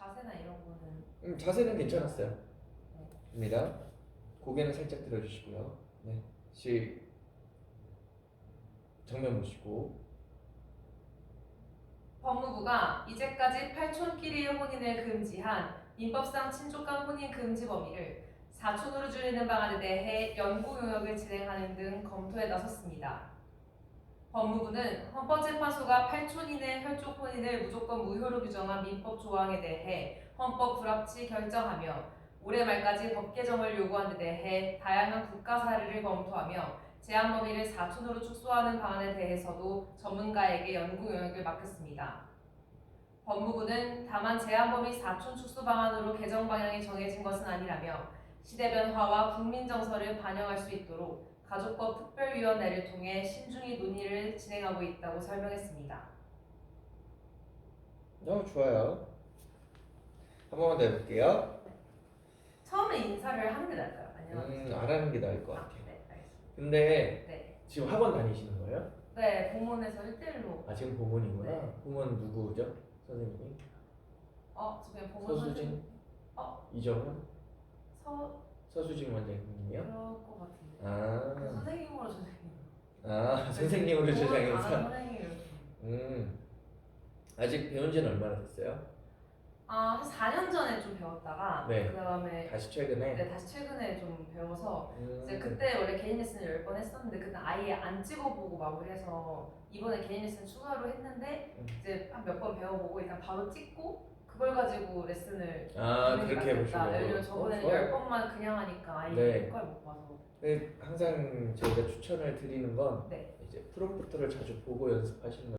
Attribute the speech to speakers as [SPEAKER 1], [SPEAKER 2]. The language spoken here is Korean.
[SPEAKER 1] 자세나 이런 거는
[SPEAKER 2] 자세는 괜찮았어요. 입니다. 고개는 살짝 들어주시고요. 네, 정면 보시고.
[SPEAKER 1] 법무부가 이제까지 팔촌끼리의 혼인을 금지한 민법상 친족간 혼인 금지 범위를 사촌으로 줄이는 방안에 대해 연구 용역을 진행하는 등 검토에 나섰습니다. 법무부는 헌법재판소가 팔촌인의 혈족 혼인을 무조건 무효로 규정한 민법 조항에 대해 헌법 불합치 결정하며 올해 말까지 법 개정을 요구한 데 대해 다양한 국가 사례를 검토하며 제한 범위를 사촌으로 축소하는 방안에 대해서도 전문가에게 연구 용역을 맡겼습니다. 법무부는 다만 제한 범위 사촌 축소 방안으로 개정 방향이 정해진 것은 아니라며 시대 변화와 국민 정서를 반영할 수 있도록 가족법 특별위원회를 통해 신중히 논의를 진행하고 있다고 설명했습니다.
[SPEAKER 2] 좋아요. 한 번만 더 해볼게요.
[SPEAKER 1] 처음에 인사를 하는 게 나을까요? 안녕하세요.
[SPEAKER 2] 안 하는 게 나을 것 같아요.
[SPEAKER 1] 네, 알겠습니다.
[SPEAKER 2] 근데
[SPEAKER 1] 네,
[SPEAKER 2] 지금 학원 다니시는 거예요?
[SPEAKER 1] 네, 공문에서 1대1로.
[SPEAKER 2] 아, 지금 보문이구나.
[SPEAKER 1] 네.
[SPEAKER 2] 보문 누구죠? 선생님이?
[SPEAKER 1] 저 그냥 공문
[SPEAKER 2] 서수진?
[SPEAKER 1] 선생님.
[SPEAKER 2] 이정은? 서수진 원장님이요?
[SPEAKER 1] 그럴 것 같은데.
[SPEAKER 2] 아,
[SPEAKER 1] 선생님으로 선생님.
[SPEAKER 2] 선생님으로
[SPEAKER 1] 공문
[SPEAKER 2] 주장해서.
[SPEAKER 1] 선생님 이렇게.
[SPEAKER 2] 아직 배운 지는 얼마나 됐어요?
[SPEAKER 1] 한 4년 전에 좀 배웠다가
[SPEAKER 2] 네.
[SPEAKER 1] 그다음에
[SPEAKER 2] 다시 최근에?
[SPEAKER 1] 네, 다시 최근에 좀 배워서 이제
[SPEAKER 2] 음,
[SPEAKER 1] 그때 원래 개인 레슨을 10번 했었는데 그때 아예 안 찍어보고 마무리해서 이번에 개인 레슨 추가로 했는데 이제 한 몇 번 배워보고 일단 바로 찍고 그걸 가지고 레슨을 하는 게
[SPEAKER 2] 그렇게
[SPEAKER 1] 낫겠다.
[SPEAKER 2] 해보시려고.
[SPEAKER 1] 왜냐면 저번에는
[SPEAKER 2] 좋아요.
[SPEAKER 1] 10번만 그냥 하니까 아예
[SPEAKER 2] 네.
[SPEAKER 1] 효과를 못 봐서.
[SPEAKER 2] 항상 저희가 추천을 드리는 건
[SPEAKER 1] 네.
[SPEAKER 2] 이제 프롬프트를 자주 보고 연습하시는